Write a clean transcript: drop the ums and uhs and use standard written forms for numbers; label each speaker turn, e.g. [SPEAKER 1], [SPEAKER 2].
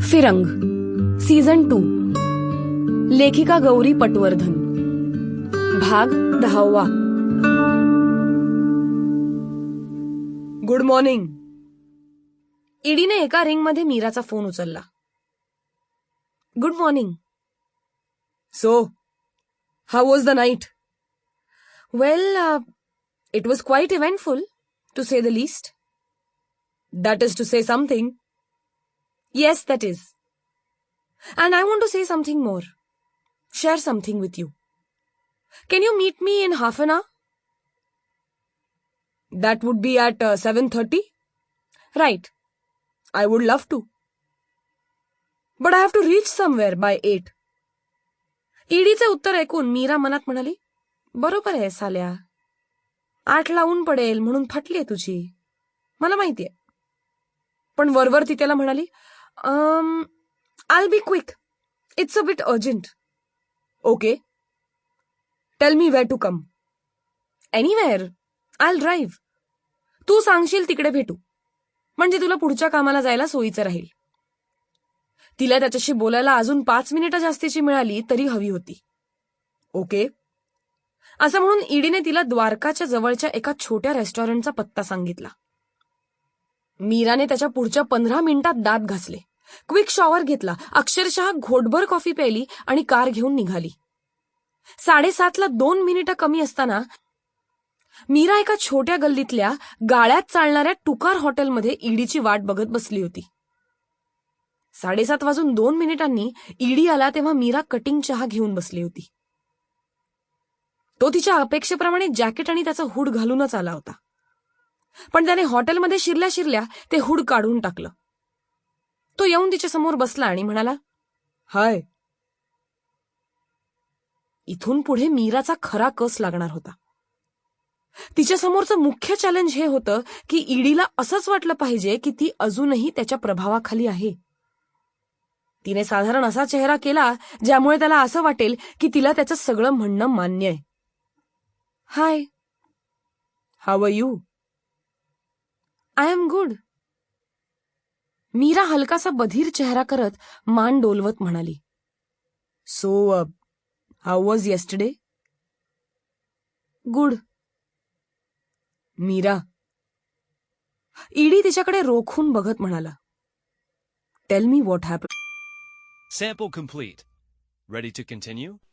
[SPEAKER 1] फिरंग season 2 लेखिका गौरी पटवर्धन भाग 10. Good morning. ईडीने एका रिंगमध्ये मीराचा फोन उचलला. Good morning. So how was the night? Well, it was quite eventful to say the least. That is to say something. Yes, that is. And I want to say something more. Share something with you. Can you meet me in half an hour? That would be at 7:30? Right. I would love to. But I have to reach somewhere by 8. ईडीचे उत्तर ऐकून मीरा मनात म्हणाली, बरोबर आहे साल्या. 8ला ऊन पडेल म्हणून फाटलीये तुझी. मला माहितीये. पण वरवर ती त्याला म्हणाली, I'll be quick. It's a bit urgent. Okay. Tell me where to come. Anywhere. I'll drive. तू सांगशील तिकडे भेटू. म्हणजे तुला पुढच्या कामाला जायला सोयीचं राहील. तिला त्याच्याशी बोलायला अजून 5 मिनिटं जास्तीची मिळाली तरी हवी होती. ओके. असं म्हणून ईडीने तिला द्वारकाच्या जवळच्या एका छोट्या रेस्टॉरंटचा पत्ता सांगितला. मीराने त्याच्या पुढच्या 15 मिनिटात दात घासले, क्विक शॉवर घेतला, अक्षरशः घोटभर कॉफी प्यायली आणि कार घेऊन निघाली. 7:30ला 2 मिनिटं कमी असताना मीरा एका छोट्या गल्लीतल्या गाळ्यात चालणाऱ्या टुकार हॉटेलमध्ये ईडीची वाट बघत बसली होती. 7:07 ईडी आला तेव्हा मीरा कटिंग चहा घेऊन बसली होती. तो तिच्या अपेक्षेप्रमाणे जॅकेट आणि त्याचा हुड घालूनच आला होता. पण त्याने हॉटेलमध्ये शिरल्या शिरल्या ते हुड काढून टाकलं. तो येऊन तिच्या समोर बसला आणि म्हणाला, हाय. इथून पुढे मीराचा खरा कस लागणार होता. तिच्या समोरचं मुख्य चॅलेंज हे होतं की ईडीला असंच वाटलं पाहिजे की ती अजूनही त्याच्या प्रभावाखाली आहे. तिने साधारण असा चेहरा केला ज्यामुळे त्याला असं वाटेल की तिला त्याचं सगळं म्हणणं मान्य आहे. Hi. How are you? I am good. Meera हलकासा बधीर चेहरा करत मान डोलवत म्हणाली, so how was yesterday? Good. Meera. Eddie तिच्याकडे रोखून बघत म्हणाला, tell me what happened.
[SPEAKER 2] Sample complete. Ready to continue?